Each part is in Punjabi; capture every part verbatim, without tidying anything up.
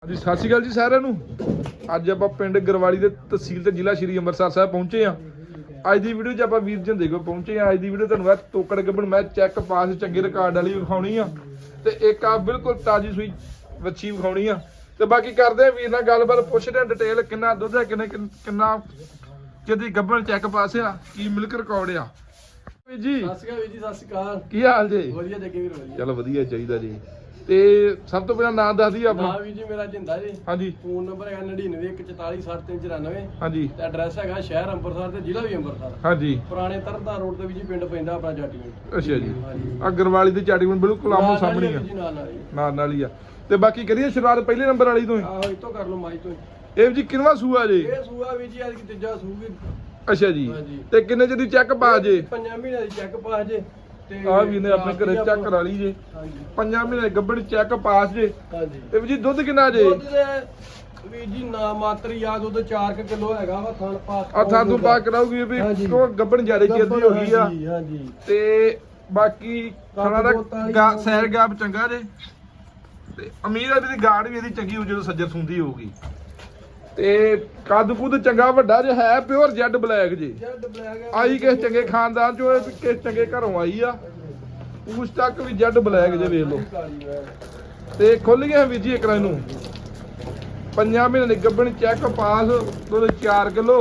ਹਾਂਜੀ ਸਤਿ ਸ਼੍ਰੀ ਅਕਾਲ ਜੀ ਸਾਰਿਆਂ ਨੂੰ। ਅੱਜ ਆਪਾਂ ਪਿੰਡ ਗਰਵਾਲੀ ਦੇ ਤਹਿਸੀਲ ਤੇ ਜ਼ਿਲ੍ਹਾ ਸ਼੍ਰੀ ਅੰਮ੍ਰਿਤਸਰ ਸਾਹਿਬ ਪਹੁੰਚੇ ਆ। ਅੱਜ ਦੀ ਵੀਡੀਓ 'ਚ ਆਪਾਂ ਵੀਰ ਜੰਦੇ ਕੋਲ ਪਹੁੰਚੇ ਆ। ਅੱਜ ਦੀ ਵੀਡੀਓ ਤੁਹਾਨੂੰ ਇਹ ਤੋਕੜ ਗੱਬਣ ਮੈਂ ਚੈੱਕ ਪਾਸ ਚੰਗੇ ਰਿਕਾਰਡ ਵਾਲੀ ਵਿਖਾਉਣੀ ਆ ਤੇ ਇੱਕ ਆ ਬਿਲਕੁਲ ਤਾਜ਼ੀ ਸੂਈ ਵੱਛੀ ਵਿਖਾਉਣੀ ਆ ਤੇ ਬਾਕੀ ਕਰਦੇ ਆ ਵੀਰ ਨਾਲ ਗੱਲਬਾਤ, ਪੁੱਛਦੇ ਆ ਡਿਟੇਲ ਕਿੰਨਾ ਦੁੱਧ ਹੈ, ਕਿੰਨੇ ਕਿੰਨਾ ਕਿਹਦੀ ਗੱਬਣ ਚੈੱਕ ਪਾਸ ਆ, ਕੀ ਮਿਲਕ ਰਿਕਾਰਡ ਆ। ਵੀਰ ਜੀ ਸਤਿ ਸ਼੍ਰੀ ਅਕਾਲ ਵੀਰ ਜੀ, ਸਤਿ ਸ਼੍ਰੀ ਅਕਾਲ। ਕੀ ਹਾਲ ਜੀ? ਵਧੀਆ ਜੱਗੇ ਵੀਰ, ਵਧੀਆ। ਚਲੋ ਵਧੀਆ ਚਾਹੀਦਾ ਜੀ। ਤੇ ਸਭ ਤੋਂ ਪਹਿਲਾਂ ਨਾਮ ਦੱਸ ਦਈਏ ਆਪਣਾ। ਹਾਂ ਵੀਰ ਜੀ, ਮੇਰਾ ਜਿੰਦਾ ਜੀ। ਹਾਂਜੀ। ਫੋਨ ਨੰਬਰ ਹੈਗਾ ਨੜਿਨਵੇਂ ਇੱਕ ਚੁਤਾਲੀ ਸੱਠ ਤਿੰਨ ਚੁਰਾਨਵੇਂ। ਹਾਂਜੀ। ਤੇ ਐਡਰੈਸ ਹੈਗਾ ਸ਼ਹਿਰ ਅੰਮ੍ਰਿਤਸਰ ਤੇ ਜ਼ਿਲ੍ਹਾ ਵੀ ਅੰਮ੍ਰਿਤਸਰ। ਹਾਂਜੀ। ਪੁਰਾਣੇ ਤਰਨਤਾਰਨ ਰੋਡ ਤੇ ਵੀ ਜੀ ਪਿੰਡ ਪੈਂਦਾ ਆਪਣਾ ਜਾਟੀਵਿੰਡ। ਅੱਛਾ ਜੀ। ਅਗਰਵਾਲੀ ਤੇ ਚਾਟੀਵਿੰਡ ਬਿਲਕੁਲ ਆਮੋ ਸਾਹਮਣੇ ਆ। ਨਾਲ ਨਾਲ ਨਾਲ ਨਾਲ ਹੀ ਆ। ਤੇ ਬਾਕੀ ਕਰੀਏ ਸ਼ੁਰੂਆਤ ਪਹਿਲੇ ਨੰਬਰ ਵਾਲੀ ਤੋਂ ਹੀ। ਆਹੋ ਇਤੋਂ ਕਰ ਲਓ ਮਾਈ ਤੋਂ। ਇਹ ਜੀ ਕਿੰਨਵਾ ਸੂਆ ਜੀ? ਇਹ ਸੂਆ ਵੀਰ ਜੀ ਅੱਜ ਕੀ ਤੀਜਾ ਸੂਗੀ। ਅੱਛਾ ਜੀ। ਤੇ ਕਿੰਨੇ ਚ ਦੀ ਚੈੱਕ ਪਾ ਜੇ? ਪੰਜਾਂ ਮਹੀਨਿਆਂ ਦੀ ਚੈੱਕ ਪਾ ਜੇ। ਆ ਵੀ ਨੇ ਆਪਣੇ ਘਰੇ ਚੈੱਕ ਕਰਾ ਲਈ ਜੇ। ਹਾਂਜੀ। ਪੰਜਾਂ ਮਹੀਨੇ ਗੱਬੜ ਚੈੱਕ ਪਾਸ ਜੇ। ਹਾਂਜੀ। ਤੇ ਵੀ ਜੀ ਦੁੱਧ ਕਿੰਨਾ ਜੇ? ਦੁੱਧ ਦੇ ਵੀਰ ਜੀ ਨਾ ਮਾਤਰ ਯਾਦ ਉਹਦੇ ਚਾਰ ਕਿਲੋ ਹੈਗਾ ਵਾ ਥਣ ਪਾਸ। ਆ ਥਾਂ ਤੋਂ ਪਾ ਕਰਾਉਗੀ ਵੀ ਕੋ ਗੱਬੜ ਜ਼ਿਆਦਾ ਚਿਰਦੀ ਹੋ ਗਈ ਆ। ਹਾਂਜੀ। ਤੇ ਬਾਕੀ ਖਾਣਾ ਦਾ ਸੈਰ ਗਾਪ ਚੰਗਾ ਜੇ ਤੇ ਅਮੀਰ ਆ ਵੀ ਗਾੜ ਵੀ ਇਹਦੀ ਚੰਗੀ ਹੋ ਜਦੋਂ ਸੱਜਰ ਸੁੰਦੀ ਹੋਊਗੀ। ਤੇ ਕੱਦ ਕੁੱਦ ਚੰਗਾ ਵੱਡਾ ਜਿਹਾ ਹੈ, ਪਿਓਰ ਜੈਡ ਬਲੈਕ ਜੀ। ਆਈ ਕਿਸ ਚੰਗੇ ਖਾਨਦਾਨ ਚੋਂ, ਕਿਸ ਚੰਗੇ ਘਰੋਂ ਆਈ ਆ। ਉਸ ਤੱਕ ਵੀ ਜੈਡ ਬਲੈਕ ਜੇ ਵੇਖ ਲਓ। ਤੇ ਖੁੱਲ ਗਿਆ ਵੀਰ ਜੀ ਇੱਕ ਰਾਂ ਨੂੰ ਪੰਜਾਂ ਮਹੀਨੇ ਦੀ ਗੱਬਣ ਚੈੱਕ ਪਾਸ ਦੁੱਧ ਚਾਰ ਕਿਲੋ।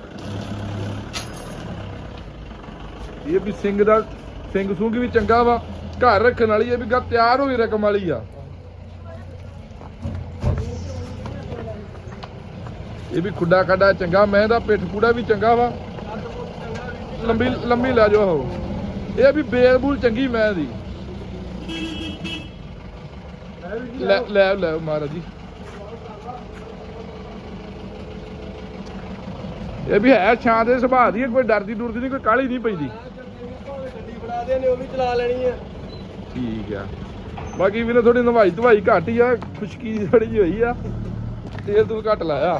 ਇਹ ਵੀ ਸਿੰਘ ਦਾ ਸਿੰਘ ਸੂੰਗੀ ਵੀ ਚੰਗਾ ਵਾ, ਘਰ ਰੱਖਣ ਵਾਲੀ ਇਹ ਵੀ ਗਾ ਤਿਆਰ ਹੋਈ ਰਕਮ ਵਾਲੀ ਆ। ਇਹ ਵੀ ਖੁੱਡਾ ਖੱਡਾ ਚੰਗਾ, ਮੈਂ ਦਾ ਪਿੱਠ ਪੂੜਾ ਵੀ ਚੰਗਾ ਵਾ, ਲੰਬੀ ਲੰਬੀ ਲੈ ਜਾਓ। ਇਹ ਵੀ ਬੇਲ ਬੂਲ ਚੰਗੀ ਮੈਂ ਦੀ। ਲੈ ਲੈ ਲੈ ਮਹਾਰਾਜ ਜੀ। ਇਹ ਵੀ ਹੈ ਛਾਂ ਦੇ ਸੁਭਾਅ ਦੀ, ਕੋਈ ਡਰਦੀ ਡੁਰਦੀ ਨਹੀਂ, ਕੋਈ ਕਾਹਲੀ ਨਹੀਂ ਪੈਂਦੀ। ਗੱਡੀ ਬਣਾ ਦੇ ਨੇ ਉਹ ਵੀ ਚਲਾ ਲੈਣੀ ਆ। ਠੀਕ ਆ। ਬਾਕੀ ਵੀ ਥੋੜੀ ਨਵਾਈ ਧਵਾਈ ਘੱਟ ਹੀ ਆ, ਖੁਸ਼ਕੀ ਥੋੜੀ ਜਿਹੀ ਹੋਈ ਆ, ਤੇਲ ਤੂਲ ਘੱਟ ਲਾਇਆ।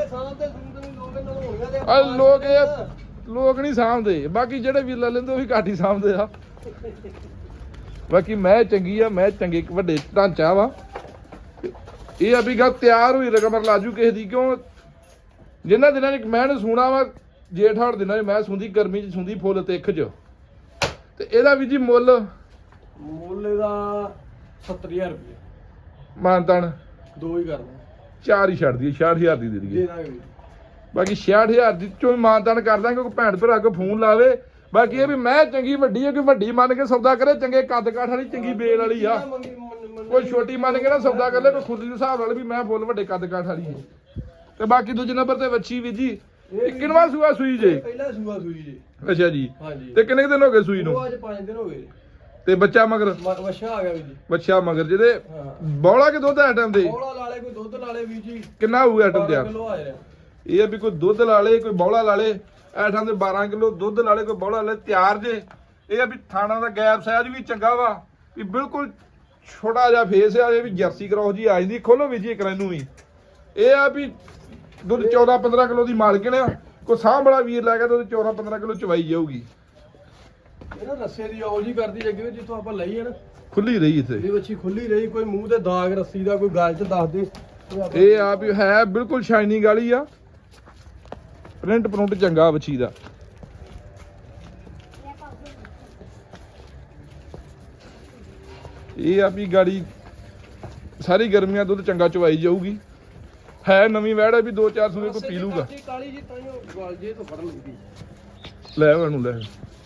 ਆ ਲੋਕ ਇਹ ਲੋਕ ਨਹੀਂ ਸਾਂਭਦੇ, ਬਾਕੀ ਜਿਹੜੇ ਵੀ ਲੈ ਲੈਂਦੇ ਉਹ ਵੀ ਘੱਟ ਹੀ ਸਾਂਭਦੇ ਆ। ਬਾਕੀ ਮੈਂ ਚੰਗੀ ਆ, ਮੈਂ ਚੰਗੇ ਵੱਡੇ ਢਾਂਚਾ ਵਾ। ਇਹ ਆ ਵੀ ਗੱਲ ਤਿਆਰ ਹੋਈ ਰਕਮ ਲਾਜੂ ਕਿਸੇ ਦੀ, ਕਿਉਂ ਜਿੰਨਾ ਦਿਨਾਂ ਚ ਮੈਂ ਸੁਣਾ ਵਾ ਜੇਠ ਹਾੜ ਦਿਨਾਂ ਚ ਮੈਂ ਸੁੰਦੀ, ਗਰਮੀ ਚ ਸੁੰਦੀ ਫੁੱਲ ਤਿੱਖ ਚ। ਤੇ ਇਹਦਾ ਵੀ ਜੀ ਮੁੱਲ ਮੁੱਲ ਇਹਦਾ ਸੱਤਰ ਹਜ਼ਾਰ ਰੁਪਏ ਮਾਨਤਾਨ ਦੋ ਹੀ ਕਰਨਾ, ਚਾਰ ਹੀ ਛੱਡ ਦਈਏ, ਛਿਆਹਠ ਹਜ਼ਾਰ ਦੀ ਦੇ ਦਈਏ। ਦੇ ਦਾਂਗੇ ਬਾਕੀ ਛਿਆਹਠ ਹਜ਼ਾਰ ਦੀ ਚੋਂ ਮਾਨਤਾਨ ਕਰ ਦਾਂਗੇ। ਕੋਈ ਭੈਣ ਭਰਾ ਕੋ ਫੋਨ ਲਾਵੇ। ਬਾਕੀ ਇਹ ਵੀ ਮੈਂ ਚੰਗੀ ਵੱਡੀ ਹੈ, ਕਿ ਵੱਡੀ ਮੰਨ ਕੇ ਸੌਦਾ ਕਰੇ, ਚੰਗੇ ਕੱਦ ਕਾਠ ਵਾਲੀ ਚੰਗੀ ਬੇਲ ਵਾਲੀ ਆ। ਕੋਈ ਛੋਟੀ ਮੰਨ ਕੇ ਨਾ ਸੌਦਾ ਕਰ ਲੈ, ਕੋਈ ਖੁਰਲੀ ਦੇ ਹਿਸਾਬ ਨਾਲ ਵੀ ਮੈਂ ਫੁੱਲ ਵੱਡੇ ਕੱਦ ਕਾਠ ਵਾਲੀ ਹੈ। ਤੇ ਬਾਕੀ ਦੂਜੇ ਨੰਬਰ ਤੇ ਵੱਛੀ ਵੀ ਜੀ ਕਿੰਨਵਾ ਸੂਆ ਸੂਈ ਜੇ? ਪਹਿਲਾ ਸੂਆ ਸੂਈ ਜੇ। ਅੱਛਾ ਜੀ। ਹਾਂਜੀ। ਤੇ ਕਿੰਨੇ ਦਿਨ ਹੋ ਗਏ ਸੂਈ ਨੂੰ? ਅੱਜ ਪੰਜ ਦਿਨ ਹੋ ਗਏ। ਤੇ ਬੱਚਾ ਮਗਰ? ਬੱਚਾ ਆ ਗਿਆ ਵੀ ਜੀ। ਬੱਚਾ ਮਗਰ ਜਿਹਦੇ ਬੌਲਾ ਕੇ ਦੁੱਧ ਆਈਟਮ ਦੇ? ਬੌਲਾ ਲਾਲੇ ਕੋਈ ਦੁੱਧ ਲਾਲੇ ਵੀ ਜੀ। ਕਿੰਨਾ ਹੋਊ ਆਈਟਮ ਤਿਆਰ? ਕਿਲੋ ਆ ਰਿਹਾ। ਇਹ ਆ ਵੀ ਕੋਈ ਦੁੱਧ ਲਾਲੇ ਕੋਈ ਬੌਲਾ ਲਾਲੇ ਆਈਟਮ ਦੇ ਬਾਰਾਂ ਕਿਲੋ ਦੁੱਧ ਲਾਲੇ ਕੋਈ ਬੌਲਾ ਲਾਲੇ ਤਿਆਰ ਜੇ। ਇਹ ਆ ਵੀ ਥਾਣਾ ਦਾ ਗੈਪ ਸਾਈਜ਼ ਵੀ ਚੰਗਾ ਵਾ, ਵੀ ਬਿਲਕੁਲ ਛੋਟਾ ਜਿਹਾ ਫੇਸ ਆ। ਇਹ ਵੀ ਜਰਸੀ ਕਰੋਸ ਜੀ ਆ ਜਾਂਦੀ। ਖੋਲੋ ਵੀ ਜੀ ਇੱਕ ਨੂੰ ਵੀ। ਇਹ ਆ ਵੀ ਦੁੱਧ ਚੌਦਾਂ ਪੰਦਰਾਂ ਕਿਲੋ ਦੀ ਮਾਲਕਣ ਆ। ਕੋਈ ਸਾਂਭ ਬੜਾ ਵੀਰ ਲੈ ਕੇ ਦੁੱਧ ਚੌਦਾਂ ਪੰਦਰਾਂ ਕਿਲੋ ਚਵਾਈ ਜਾਊਗੀ। ਇਹ ਨਾ ਰੱਸੇ ਦੀ ਆਉ ਜੀ ਕਰਦੀ ਜੱਗੇ, ਜਿੱਥੋਂ ਆਪਾਂ ਲਈ ਹੈ ਨਾ ਖੁੱਲੀ ਰਹੀ ਇੱਥੇ। ਇਹ ਵੱਛੀ ਖੁੱਲੀ ਰਹੀ, ਕੋਈ ਮੂੰਹ ਤੇ ਦਾਗ ਰੱਸੀ ਦਾ ਕੋਈ ਗੱਲ ਚ ਦੱਸ ਦੇ। ਇਹ ਆ ਵੀ ਹੈ ਬਿਲਕੁਲ ਸ਼ਾਈਨਿੰਗ ਵਾਲੀ ਆ, ਪ੍ਰਿੰਟ ਪ੍ਰਿੰਟ ਚੰਗਾ ਵੱਛੀ ਦਾ। ਇਹ ਆ ਵੀ ਗਾੜੀ ਸਾਰੀ ਗਰਮੀਆਂ ਦੁੱਧ ਚੰਗਾ ਚਵਾਈ ਜਾਊਗੀ। ਹੈ ਨਵੀਂ ਵੈੜ ਹੈ ਵੀ ਦੋ ਚਾਰ ਸੂਏ ਕੋਈ ਪੀ ਲੂਗਾ। ਕਾਲੀ ਜੀ ਤਾਂ ਗਲ ਜੇ ਤੋਂ ਫੜਨ ਲੱਗੀ। ਲੈ ਉਹਨੂੰ ਲੈ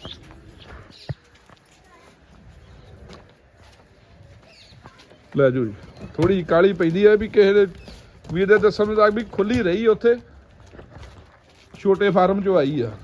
ਲੈ ਜੋ ਜੀ। ਥੋੜੀ ਕਾਲੀ ਪੈਂਦੀ ਹੈ ਵੀ ਕਿਸੇ ਦੇ ਵੀਰ ਦੇ ਦੱਸਣ ਮੁਤਾਬਕ ਵੀ ਖੁੱਲੀ ਰਹੀ ਉੱਥੇ, ਛੋਟੇ ਫਾਰਮ ਚੋਂ ਆਈ ਆ।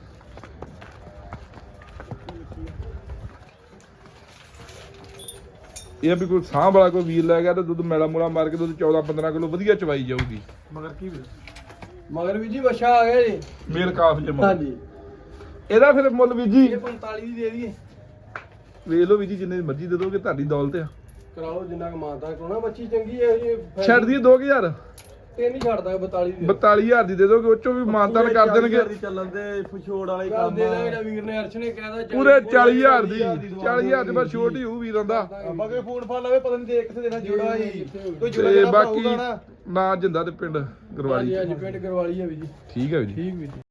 ਇਹ ਵੀ ਕੋਈ ਸਾਂਭ ਵਾਲਾ ਕੋਈ ਵੀਰ ਲੈ ਗਿਆ ਤੇ ਦੁੱਧ ਮੈਲਾ ਮੂਲਾ ਮਾਰ ਕੇ ਦੁੱਧ ਚੌਦਾਂ ਪੰਦਰਾਂ ਕਿਲੋ ਵਧੀਆ ਚਵਾਈ ਜਾਊਗੀ। ਮਗਰ ਕੀ ਮਗਰ ਵੀ ਜੀ ਬੱਚਾ ਆ ਗਿਆ ਜੀ, ਮੇਲ ਕਾਫ ਜਮਾ। ਹਾਂਜੀ। ਇਹਦਾ ਫਿਰ ਮੁੱਲ ਵੀ ਜੀ ਇਹ ਪੰਤਾਲੀ ਦੀ ਦੇ ਦਈਏ। ਵੇਖ ਲਓ ਵੀ ਜੀ, ਜਿੰਨੇ ਮਰਜ਼ੀ ਦੇ ਦੋਗੇ ਤੁਹਾਡੀ ਦੌਲਤ ਆ। ਕਰਾਓ ਜਿੰਨਾ ਕੁ ਮਾਨਤਾ ਕਰਾਉਣਾ। ਬੱਚੀ ਚੰਗੀ ਹੈ ਜੀ। ਛੱਡ ਦਈਏ ਦੋ ਹਜ਼ਾਰ। ਤਿੰਨ ਹੀ ਛੱਡਦਾ ਬਤਾਲੀ ਦੀ ਬਤਾਲੀ ਹਜ਼ਾਰ ਦੀ ਦੇ ਦੋਗੇ, ਉਹ ਚੋਂ ਵੀ ਮਾਨਤਾਨ ਕਰ ਦੇਣਗੇ। ਚੱਲਣ ਦੇ ਫਛੋੜ ਵਾਲੇ ਕੰਮ ਦੇ ਦਾ ਵੀਰ ਨੇ ਅਰਸ਼ ਨੇ ਕਹਿਦਾ ਪੂਰੇ ਚਾਲੀ ਹਜ਼ਾਰ ਦੀ, ਚਾਲੀ ਹਜ਼ਾਰ ਦੀ ਬਸ ਛੋਟੀ ਹੋਊ ਵੀਰਾਂ ਦਾ। ਬਾਕੀ ਫੋਨ ਫਾ ਲਵੇ ਪਤਾ ਨਹੀਂ ਦੇਖ ਕਿੱਥੇ ਦੇਣਾ ਜੋੜਾ ਹੀ ਕੋਈ ਤੇ ਜੋੜਾ ਬਾਕੀ ਨਾ ਜਿੰਦਾ ਤੇ ਪਿੰਡ ਗਰਵਾਲੀ। ਹਾਂਜੀ ਹਾਂਜੀ ਪਿੰਡ ਗਰਵਾਲੀ ਹੈ ਵੀ ਜੀ। ਠੀਕ ਹੈ ਵੀ ਜੀ। ਠੀਕ ਵੀ ਜੀ।